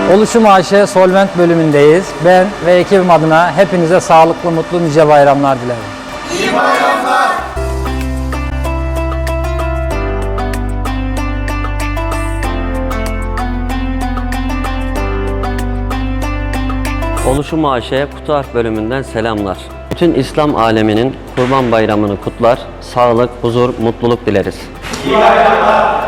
Oluşum AŞ Solvent bölümündeyiz. Ben ve ekibim adına hepinize sağlıklı, mutlu, nice bayramlar dilerim. İyi bayramlar. Oluşum AŞ Kutu Harf bölümünden selamlar. Bütün İslam aleminin Kurban Bayramı'nı kutlar, sağlık, huzur, mutluluk dileriz. İyi bayramlar.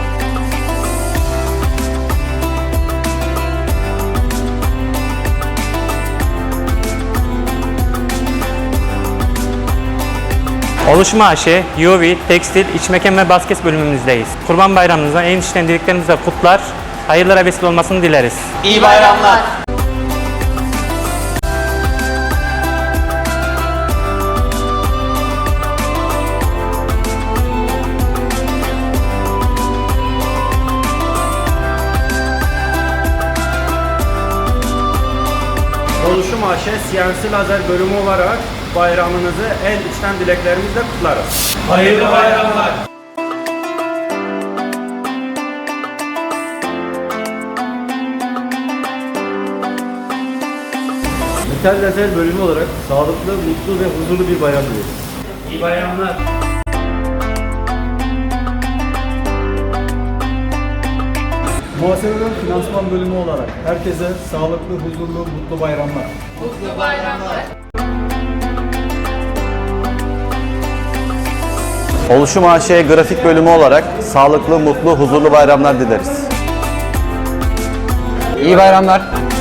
Oluşum AŞ, UV, Tekstil, İç Mekan ve Basket bölümümüzdeyiz. Kurban Bayramınıza en içten dileklerimizle kutlar, hayırlara vesile olmasını dileriz. İyi bayramlar. Oluşum AŞ CNC Lazer bölümü olarak bayramınızı en içten dileklerimizle kutlarız. Hayırlı bayramlar. Metal Lazer bölümü olarak sağlıklı, mutlu ve huzurlu bir bayram dileriz. İyi bayramlar. Muhasebeden finansman bölümü olarak herkese sağlıklı, huzurlu, mutlu bayramlar. Oluşum AŞ Grafik bölümü olarak sağlıklı, mutlu, huzurlu bayramlar dileriz. İyi bayramlar.